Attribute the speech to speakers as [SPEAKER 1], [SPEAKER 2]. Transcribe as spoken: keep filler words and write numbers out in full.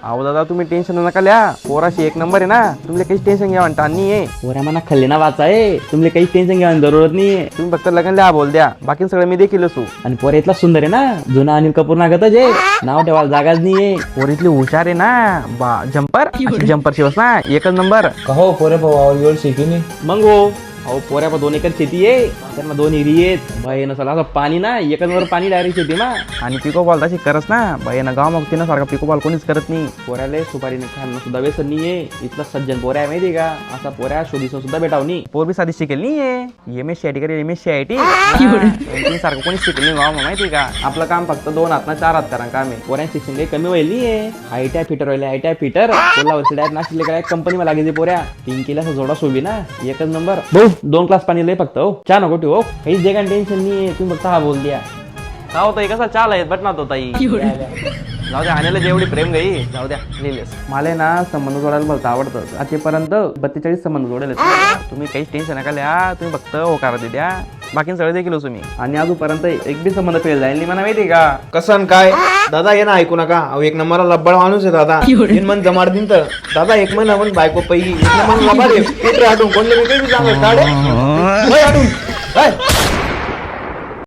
[SPEAKER 1] अहो दादा तुम्ही टेन्शन नका लिया, पोराशी एक नंबर आहे ना, तुमले काही टेन्शन घ्या म्हणता नाही आहे.
[SPEAKER 2] पोऱ्या मना खाल्ले ना वाचा आहे, तुमले काही टेन्शन घ्यायची जरूरत नाहीये.
[SPEAKER 1] तुम्ही फक्त लग्न लिहा बोल द्या, बाकी सगळं मी देखील असू.
[SPEAKER 2] आणि पोऱ्या इथला सुंदर आहे ना, जुना अनिल कपूर नागतच आहे, नाव ठेवायला जागाच नाहीये.
[SPEAKER 1] पोरीतली हुशार आहे ना, बा जम्पर जम्पर शिवस ना एकच नंबर.
[SPEAKER 3] कहो पोरे भाऊ एवढी शेती नाही.
[SPEAKER 2] मग हो अहो पोऱ्या पण दोन एकर शेती आहे, त्यांना दोन एरी आहेत. बाई नसला असं पाणी ना एकच नंबर पाणी डायरेक्ट शेती ना.
[SPEAKER 1] आणि पिको बॉल तशी करस ना बाई ना, गाव मग तिनं सारखा पिको बॉल कोणीच करत नाही.
[SPEAKER 2] पोऱ्याला सुपारीने खाणं सुद्धा व्यसन नाहीये. इथला सज्जन पोऱ्या आहे माहिती का, असा पोऱ्या शोधीसून सुद्धा भेटावनी.
[SPEAKER 1] पोर बी साधी शिकेल नाहीये, M S C I T करेल, M S C I T सारखं कोणीच शिकेल नाही गाव माहिती का. आपलं काम फक्त दोन हात ना चार हात करा काम आहे.
[SPEAKER 2] पोऱ्या शिक्षण काही कमी व्हायला नाहीये. आयटीआय फिटर व्हायला आयटीआय फिटर कोल्हा वर्षी डायरेक्ट नाशिकले काय कंपनी मला लागायची पोऱ्या. तीन केला जोडा सोबी ना एकच नंबर. भाऊ दोन क्लास पाणी लय फक्त हो, चहा नको ठेवू हो, काहीच जे काही टेन्शन नाहीये. तुम्ही फक्त हा बोल द्या.
[SPEAKER 1] का होतं कसा चाल आहे बट ना तो ताई. जाऊ द्या, आणायला जेवढी प्रेम गई जाऊ द्या लिहिलेस. मला ना संबंध जोडायला भलतं आवडतं. आजपर्यंत बत्तेचाळीस संबंध जोडेल. तुम्ही काहीच टेन्शन नका लिहा, तुम्ही फक्त होकार दे द्या, बाकी सगळं देखील असू मी. आणि अजूनपर्यंत एक बी संबंध फेल जाईल नाही मला माहिती का.
[SPEAKER 3] कसं काय दादा ये ना ऐकू नका. अहो एक नंबरला लब्बड माणूस आहे दादा. तीन मन जमाड दिन तर दादा एक महिना पण बायको पहिली एक नंबर लबाड आहे. कुठे आठवून कोणले मी काही सांगत काढे आठवून